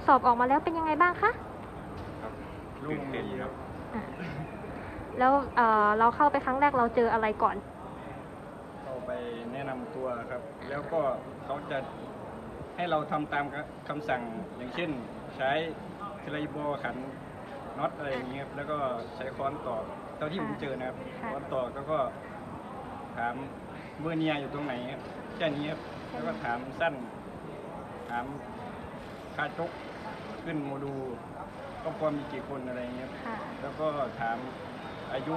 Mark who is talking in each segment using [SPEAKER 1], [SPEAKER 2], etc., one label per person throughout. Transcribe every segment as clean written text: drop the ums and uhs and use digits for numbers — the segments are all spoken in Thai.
[SPEAKER 1] สอบออกมาแล้วเป็นยังไงบ้างคะ
[SPEAKER 2] ครับตื่นเต้นครับ
[SPEAKER 1] อ่าแล้วเราเข้าไปครั้งแรกเราเจออะไรก่อน
[SPEAKER 3] เข้าไปแนะนำตัวครับ แล้วก็เขาจะให้เราทำตามคำสั่งอย่างเช่น ใช้เทเลโบขันน็อตอะไรอย่างเงี้ยครับแล้วก็ใช้ค้อนตอกเท่าที่ผมเจอนะครับค้อนตอกแล้วก็ถามเบอร์เนียอยู่ตรงไหนครับแค่นี้ครับแล้วก็ถามสั้นถามคาจกขึ้นโมดูลครอบครัวมีกี่คนอะไรเงี้ยแล้วก็ถามอายุ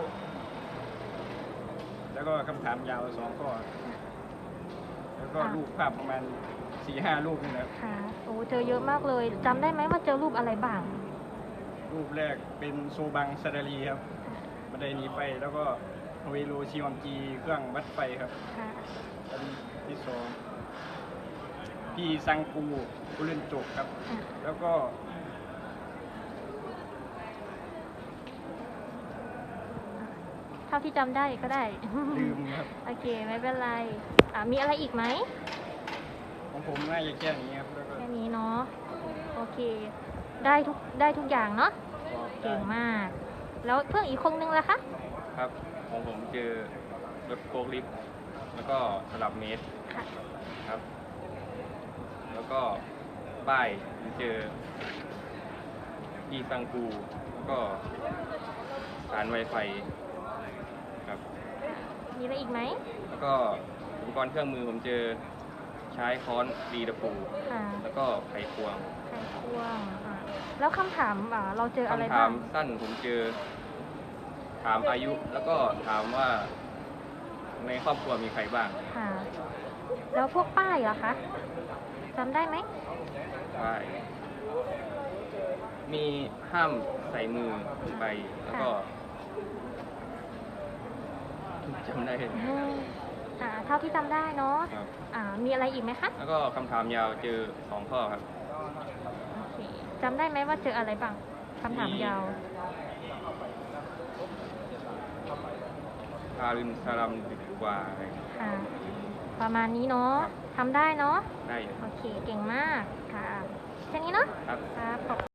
[SPEAKER 3] แล้วก็คำถามยาว2 ข้อแล้วก็รูปภาพประมาณ4-5 รูปนี่นะครับ
[SPEAKER 1] ค่ะโอ้เจอเยอะมากเลยจำได้ไหมว่าเจอรูปอะไรบ้าง
[SPEAKER 3] รูปแรกเป็นโซบังซาดารีครับบันไดหนีไฟแล้วก็เวโรชิวอมจีเครื่องวัดไฟครับอันที่2พี่ซังกูกุเรนโจกครับแล้วก็
[SPEAKER 1] เท่าที่จำได้ก็ได้
[SPEAKER 3] ลืมครับ
[SPEAKER 1] โอเคไม่เป็นไรมีอะไรอีกไหม
[SPEAKER 3] ของผมน่าจะแค่นี้ครับ
[SPEAKER 1] แค่นี้เนาะโอเคได้ทุกอย่างเนาะเก่งมากแล้วเพื่อนอีกคนนึงล่ะคะ
[SPEAKER 2] ครับของผมเจอรถโกลิฟแล้วก็สลับเมตรครับแล้วก็ป้ายเจออีซังกูแล้วก็สารไวไฟครับ
[SPEAKER 1] มีอะไรอีกไหม
[SPEAKER 2] แล้วก็อุปกรณ์เครื่องมือผมเจอใช้ค้อนดีตะปูแล้วก็ไขควง
[SPEAKER 1] แล้วคำถามเราเจออะไรบ้าง
[SPEAKER 2] คำถามสั้นผมเจอถามอายุแล้วก็ถามว่าในครอบครัวมีใครบ้าง
[SPEAKER 1] แล้วพวกป้ายเหรอคะจำได้ไหม
[SPEAKER 2] ป้ายมีห้ามใส่มือไปแล้วก็จำได้
[SPEAKER 1] เท่าที่จำได้เนาะมีอะไรอีกไหมคะ
[SPEAKER 2] แล้วก็คำถามยาวเจอ2 ข้อครับ
[SPEAKER 1] จำได้ไหมว่าเจออะไรบ้างคำถามยาว
[SPEAKER 2] คารินซาลัมดีกว่า
[SPEAKER 1] ประมาณนี้เนาะทำได้เนาะ
[SPEAKER 2] ได้
[SPEAKER 1] โอเคเก่งมากค่ะแค่นี้เนาะ
[SPEAKER 2] ครับ